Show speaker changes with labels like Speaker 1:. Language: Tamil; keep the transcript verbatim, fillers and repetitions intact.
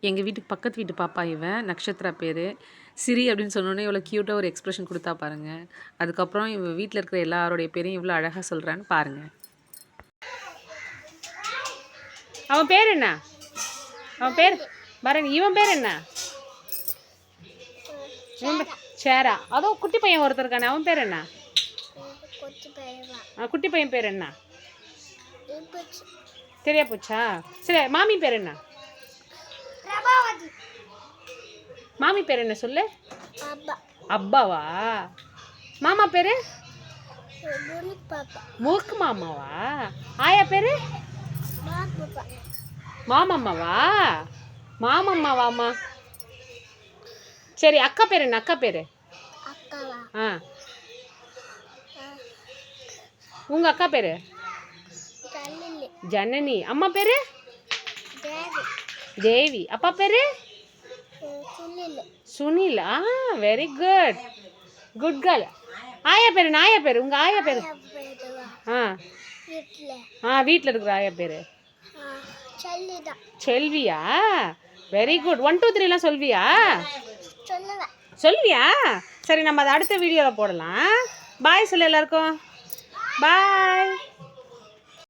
Speaker 1: எங்கள் வீட்டுக்கு பக்கத்து வீட்டு பாப்பா இவன், நக்ஷத்ரா பேர். சிரி அப்படின்னு சொன்னோன்னே இவ்வளோ க்யூட்டாக ஒரு எக்ஸ்ப்ரெஷன் கொடுத்தா பாருங்கள். அதுக்கப்புறம் இவன் வீட்டில் இருக்கிற எல்லாரோடைய பேரையும் இவ்வளோ அழகாக சொல்கிறான்னு பாருங்கள். அவன் பேர் என்ன? அவன் பேர் பரணி. இவன் பேர் என்ன? சேரா. அதுவும் குட்டி பையன் ஒருத்தர் இருக்கானே, அவன் பேர் என்ன? குட்டி பையன் பேர் என்ன? தெரியா போச்சா? சரி, மாமி பேர் என்ன? மாமி பேர் என்ன சொல்லு? அப்பாவா? மாமா பேரு? மூக்கு மாமாவா? ஆயா பேரு? மாமம்மாவா? மாமம்மாவாமா? சரி, அக்கா பேர் என்ன? அக்கா பேரு? ஆ, உங்க அக்கா பேரு? ஜனனி. அம்மா பேரு? தேவி. அப்பா பேரு? சுனில். ஆ, வெரி குட், குட் கேர்ள். ஆயா பேரு? ஆயா பேரு? உங்க ஆயா பேரு? ஆ ஆ வீட்டில் இருக்கிற ஆயா பேரு செல்வியா? Very good. ஒன் டூ த்ரீலாம் சொல்வியா? சொல்வியா? சரி, நம்ம அதை அடுத்த வீடியோவில் போடலாம். பாய் சொல்லு எல்லாருக்கும். பாய்.